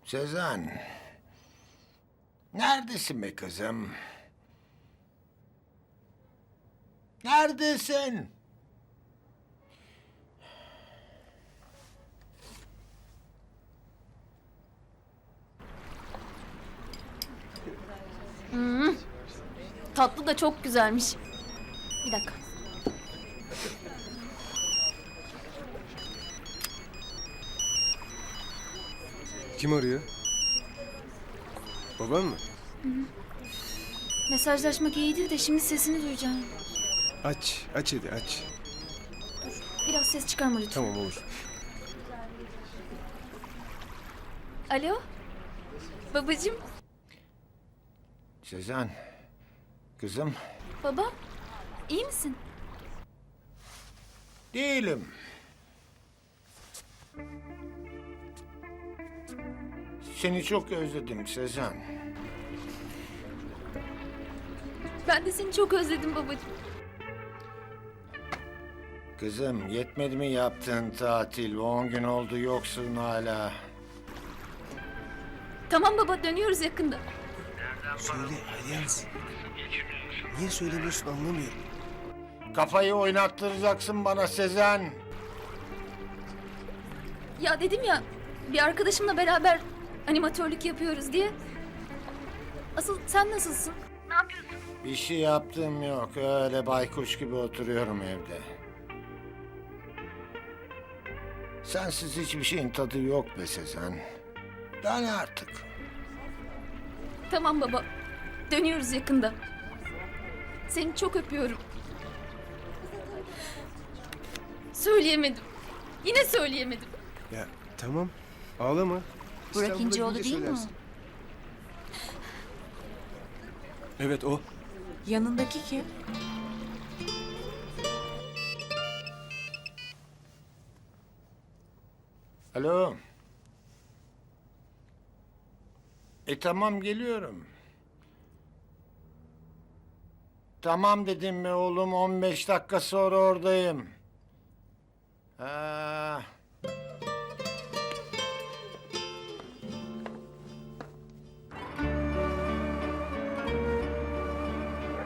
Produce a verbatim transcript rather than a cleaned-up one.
Sezen. Neredesin be kızım? Neredesin? Tatlı da çok güzelmiş. Bir dakika. Kim arıyor? Babam mı? Mesajlaşmak iyiydi de şimdi sesini duyacağım. Aç, aç hadi aç. Biraz ses çıkarma lütfen. Tamam olur. Alo? Babacığım? Sezen. Kızım. Baba? İyi misin? Değilim. Seni çok özledim Sezen. Ben de seni çok özledim babacığım. Kızım yetmedi mi yaptığın tatil? On gün oldu yoksun hala. Tamam baba, dönüyoruz yakında. Söyle Alyans. Niye söylemiyorsun anlamıyorum. Kafayı oynattıracaksın bana Sezen. Ya dedim ya, bir arkadaşımla beraber animatörlük yapıyoruz diye. Asıl sen nasılsın? Bir şey yaptığım yok. Öyle baykuş gibi oturuyorum evde. Sensiz hiçbir şeyin tadı yok be Sezen. Dön artık. Tamam baba, dönüyoruz yakında. Seni çok öpüyorum. Söyleyemedim. Yine söyleyemedim. Ya tamam ağlama. Burak İstanbul'a İnceoğlu gidince değil mi söylersin. Evet o. Yanındaki kim? Alo. E tamam geliyorum. Tamam dedim mi oğlum, on beş dakika sonra oradayım. Ha.